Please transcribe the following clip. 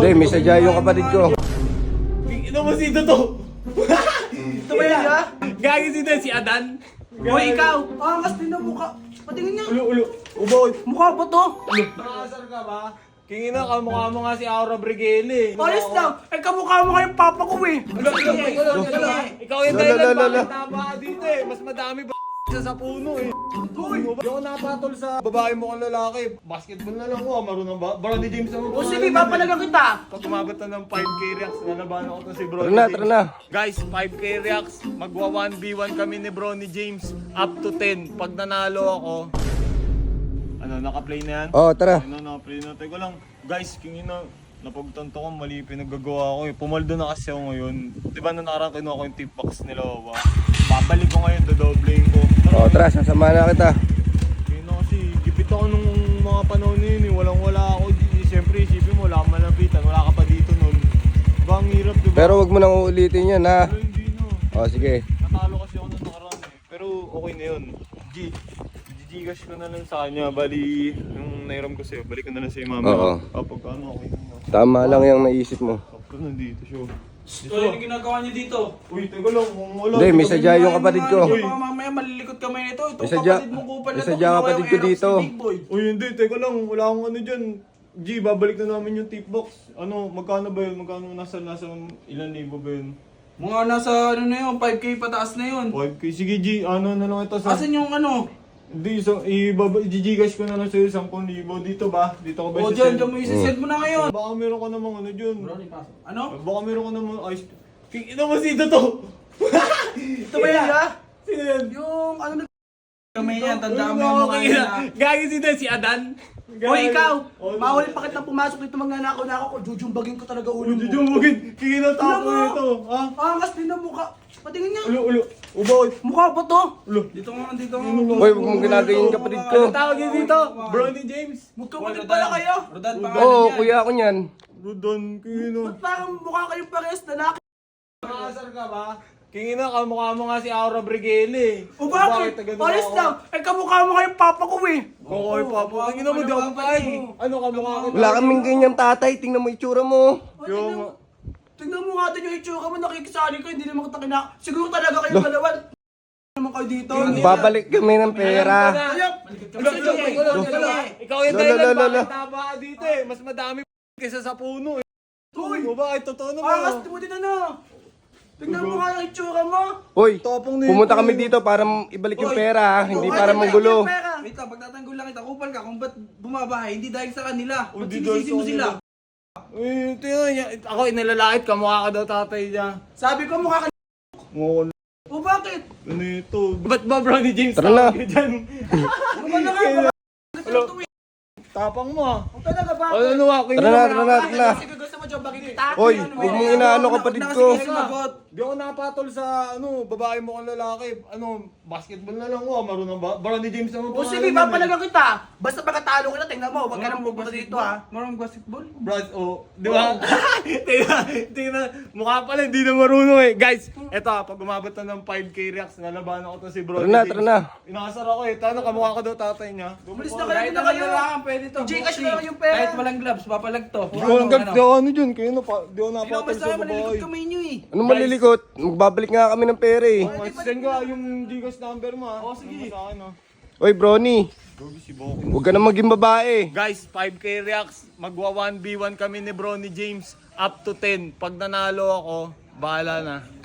Hindi, may sadya yung kapatid ko. Ino mo si to. Ito ba yan, ha? Gagi si Adan. Hoy, ikaw! Angas din ang mukha. Patingin nga. Ulo. Ubo. Mukha ba to? Nakasar ka ba? Kingin na, kamukha mo nga si Aura Brigele. Ayos lang. Ay, kamukha mo kayong papa ko eh. Ikaw yung dahilan bakit tama ka dito eh. Mas madami ba sa puno eh. Uy, di ako napatol sa babae mo kang lalaki. Basketball na lang ko, marunong ba? Brody James naman. O sige, papalagang kita. Pag umabot na ng 5k reacts, nalabanan ko to si Brody Tara na, James. tara na. Guys, 5k reacts, magwa 1v1 kami ni Brony James. Up to 10. Pag nanalo ako, ano, naka-play na yan? Oh, tara. Ano, naka-play na. Teka lang, guys, kingin na. Napagtanto ko, mali pinaggagawa ko eh. Pumaldo na kasi ako ngayon. Diba na nakarang kinuha ko yung tip box nila, ba? Babalik ko ngayon, dodobling ko. Oh, tara, sasama na kita. Kaya na kasi, gipit ako nung mga panahon na yun eh. Walang-wala ako. Siyempre, isipin mo, wala kang malapitan. Wala ka pa dito nun. Diba, ang hirap, diba? Pero wag mo nang uulitin yan, ha? Pero hindi na. Oh, sige. Natalo kasi ako nung nakaraan eh. Pero okay na yun. Gcash ko na lang sa kanya. Bali, yung nairam ko sa'yo, balik ko na lang sa'yo mama. Oo. Kapag ano, okay na. Tama lang yung naisip mo. Sakto nandito siya. Ito yung ginagawa niyo dito. Uy, teka lang, kung wala. Hindi, may sadya yung kapatid ko. Uy. Baka mamaya malilikot kamay nito. Ito May sadya- kapatid mo kupal na may to. sadya Kinuha kapatid yung ko Aerox dito. ni Big Boy. Uy, hindi, teka lang, wala akong ano dyan. G, babalik na namin yung tip box. Ano, magkano ba yun? Magkano nasa ilan libo ba yun? Mga nasa ano na yun, 5k pataas na yun. 5k. Sige G, ano na lang ito sa... Asan yung ano? Hindi, so, i-gcash ko na lang sa'yo 10,000 dito ba? Dito ko ba O dyan mo isi-send mo na ngayon. Baka meron ka namang ano dyan. Ano? Baka meron ka namang ice... Ino mo si to! Ito ba yan, ha? Sino yan? Yung ano na kamay niya, tandaan mo Uy, yung mukha niya. Gagi si Adan. Hoy, ikaw! Oh, Bawal pa kitang pumasok dito mga nako-nako ko. Jujumbagin ko talaga ulo mo. Jujumugin, kinatapo Tingnan mo. ito. Ha? Angas din ang mukha. Patingin nga. Ulo. Ubo. Mukha ba to? Ulo. Dito nga, dito nga. Hoy, wag mong ginagayin yung kapatid ko. Ano tawag yun dito? Brony James. Magkapatid pala kayo. Rodan, Oo, kuya ako niyan. Rodon, kino. Ba't parang mukha kayong parehas lalaki? Nakasar ka ba? Kingin na, kamukha mo nga si Aura Brigele. O bakit? Ayos lang. Ay, kamukha mo kayong papa ko eh. Kokoy pa po. Kingin mo, di ako kain. Ano kamukha ko? Wala kaming ganyan tatay. Tingnan mo itsura mo. O, Yung... tingnan mo nga din yung itsura mo. Nakikisali ko. Hindi naman kita Siguro talaga kayong dalawa. Naman kayo dito. Babalik kami ng pera. Ayop! Ikaw yung Lolo, dahilan, lolo. bakit taba ka dito eh. Mas madami kaysa sa puno eh. Uy! O bakit? Totoo naman. Angas mo din ano. Tingnan mo nga yung itsura mo. Hoy, Tapang nito. pumunta kami dito para ibalik yung pera, ha? Hindi para manggulo. Wait lang, pagtatanggol lang kita. Kupal ka kung ba't bumabahay. Hindi dahil sa kanila. Ba't Hindi dahil sinisisi sa mo sila? Uy, tingnan niya. Ako inalalait ka. Mukha ka daw tatay niya. Sabi ko mukha ka. Mukha O bakit? ano ito? Ba't ba Brownie James Tara na. tawag ka dyan? Ano ba na nga? Tapang mo ah. O talaga ba? Ano ako? Tara na. Sige, gusto mo dyan bagay kita. Hoy, huwag mong inaano kapatid ko. Di ako napatol sa babae mo kang lalaki. Basketball na lang ko. Marunong ba? Brownie James naman O sige, papalagang kita. Basta pagkatalo kita, tingnan mo. Huwag ka nang pupunta dito ha. Marunong basketball? Brad, di ba? Tingnan, mukha pala, hindi na marunong eh. Guys, eto pag umabot na ng 5k reacts, nalabanan ko to si Brody Tara na. Inakasar ako eh. Tano, kamukha ko daw tatay niya. Umalis na kayo, Kahit na na kayo. lang, pwede to. Gcash Bossy. na lang yung pera. Kahit walang gloves, papalag to. Di ko lang di ako ano dyan, kayo na pa, di ako Hindi napatol naman sa sa malilikot babae. kamay nyo eh. Ano malilikot? Magbabalik nga kami ng pera eh. Send ko yung Gcash number mo ah. sige. Sa akin ah. Hoy, Brony. Gogi si Boki. Huwag ka na maging babae. Guys, 5k reacts, magwa 1v1 kami ni Brony James. Up to 10. Pag nanalo ako, bahala na.